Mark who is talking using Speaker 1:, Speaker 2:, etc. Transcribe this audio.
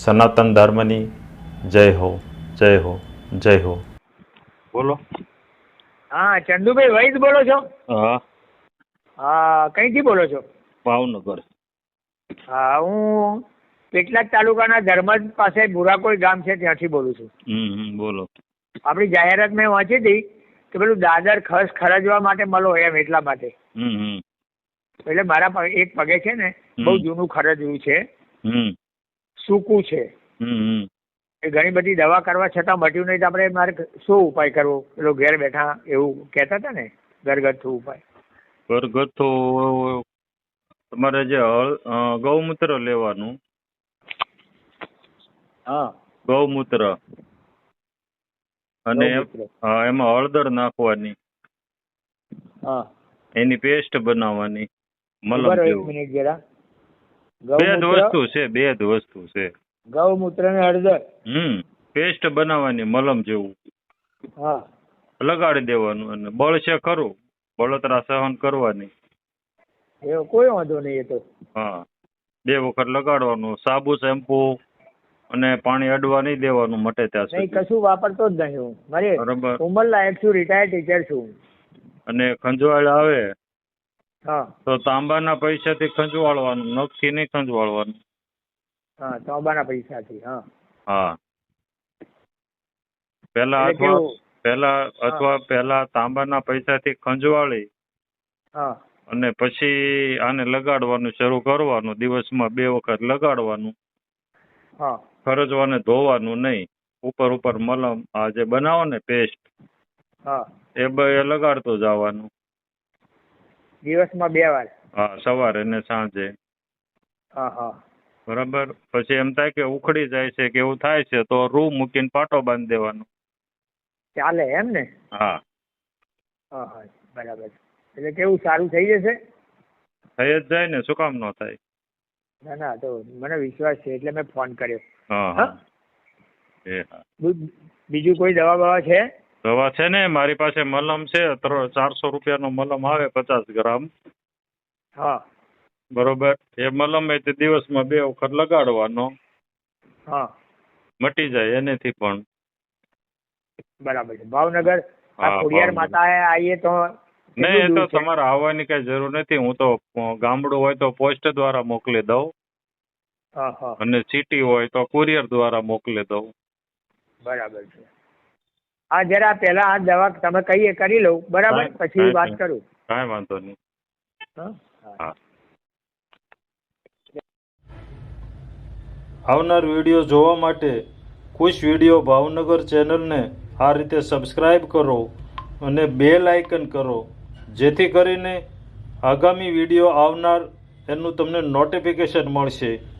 Speaker 1: સનાતન ધર્મની જય હો, જય હો, જય હો. બોલો.
Speaker 2: હા, ચંદુભાઈ વૈદ બોલો છો?
Speaker 1: હા.
Speaker 2: હા, કઈથી બોલો છો?
Speaker 1: ભાવનગર.
Speaker 2: હા, હું પેટલાદ તાલુકાના ધર્મજ પાસે ભુરાકોઈ ગામ છે ત્યાંથી બોલું છું.
Speaker 1: બોલો.
Speaker 2: આપણી જાહેરાત મેં વાંચી હતી કે પેલું દાદર ખસ ખરજવા માટે મળો એમ એટલા માટે. એટલે મારા એક પગે છે ને બહુ જૂનું ખરજવું છે, સૂકું છે. એ ઘણી બધી દવા કરવા છતાં મટ્યું નહીં તો આપણે મારે શું ઉપાય કરવો? પેલો ઘેર બેઠા એવું કહેતા હતા ને, ઘરગથ્થુ ઉપાય.
Speaker 1: ઘરગથ્થુ તમારે જે ગૌમૂત્ર લેવાનું.
Speaker 2: હા,
Speaker 1: ગૌમૂત્ર અને એમાં હળદર નાખવાની.
Speaker 2: હા,
Speaker 1: એની પેસ્ટ બનાવવાની. મલમ
Speaker 2: એક
Speaker 1: જેવું.
Speaker 2: મિનિટ જરા.
Speaker 1: બે જ વસ્તુ છે.
Speaker 2: ગૌમૂત્ર ને હળદર.
Speaker 1: પેસ્ટ બનાવવાની મલમ જેવું.
Speaker 2: હા,
Speaker 1: લગાડી દેવાનું અને બળશે ખરું, બળતરા સહન કરવાની.
Speaker 2: એવો કોઈ વાંધો નહીં. એ તો
Speaker 1: હા, 2 વખત લગાડવાનું. સાબુ શેમ્પુ અને પાણી અડવા નહીં દેવાનું મટે ત્યાં
Speaker 2: નહીં,
Speaker 1: સુધી.
Speaker 2: કશું વાપરતો જ નહીં હું. મારે
Speaker 1: બરાબર.
Speaker 2: ઉંમર લાયક છું, રિટાયર્ડ ટીચર છું.
Speaker 1: અને ખંજવાળ આવે
Speaker 2: હા,
Speaker 1: તો તાંબાના પૈસાથી ખંજવાળવાનું, નખથી નહીં ખંજવાળવાનું.
Speaker 2: હા, તાંબાના પૈસાથી. હા,
Speaker 1: હા. પહેલા તાંબાના પૈસાથી ખંજવાળી
Speaker 2: હા,
Speaker 1: અને પછી આને લગાડવાનું શરૂ કરવાનું. દિવસમાં 2 વખત લગાડવાનું.
Speaker 2: હા,
Speaker 1: ખરજવાને ધોવાનું નહીં. ઉપર મલમ આ જે બનાવો ને પેસ્ટ,
Speaker 2: હા,
Speaker 1: એ લગાડતું જવાનું.
Speaker 2: દિવસમાં 2 વાર.
Speaker 1: હા, સવારે ને સાંજે.
Speaker 2: હા, હા,
Speaker 1: બરાબર. પછી એમ થાય કે ઉખડી જાય છે કે એવું થાય છે તો રૂ મૂકીને પાટો બાંધી દેવાનો.
Speaker 2: ચાલે એમ ને?
Speaker 1: હા.
Speaker 2: હા, હા, બરાબર. એટલે કેવું, સારું થઈ જશે?
Speaker 1: થઈ જ જાય ને, શું કામ ન થાય?
Speaker 2: ના ના, તો મને વિશ્વાસ છે એટલે મેં ફોન કર્યો.
Speaker 1: હા,
Speaker 2: હા,
Speaker 1: હા.
Speaker 2: બીજું કોઈ દવા બવા છે?
Speaker 1: દવા છે ને, મારી પાસે મલમ છે. 400 રૂપિયાનો મલમ આવે, 50 ગ્રામ.
Speaker 2: હા,
Speaker 1: બરોબર. એ મલમ એ દિવસમાં 2 વખત લગાડવાનો.
Speaker 2: હા,
Speaker 1: મટી જાય એનેથી પણ.
Speaker 2: બરાબર છે. ભાવનગર આ
Speaker 1: હા,
Speaker 2: ખોડિયાર
Speaker 1: ભાવનગર.
Speaker 2: માતા આવીએ તો
Speaker 1: નહીં, એ
Speaker 2: કેટલું
Speaker 1: તો
Speaker 2: દૂર છે?
Speaker 1: તમારે આવવાની કઈ જરૂર નથી. હું તો ગામડું હોય તો પોસ્ટ દ્વારા મોકલી દઉં
Speaker 2: હા, હા,
Speaker 1: અને સિટી હોય તો કુરિયર દ્વારા મોકલી દઉં.
Speaker 2: બરાબર છે. હા, જરા પહેલા આ દવા તમે કહીએ કરી લઉં, બરાબર, પછી વાત કરું.
Speaker 1: કાંઈ વાંધો નહીં.
Speaker 2: હા,
Speaker 1: હા. આવનાર વિડીયો જોવા માટે ખુશ વિડીયો ભાવનગર ચેનલને આ રીતે સબસ્ક્રાઈબ કરો અને બેલ આઇકન કરો, જેથી કરીને આગામી વિડીયો આવનાર એનું તમને નોટિફિકેશન મળશે.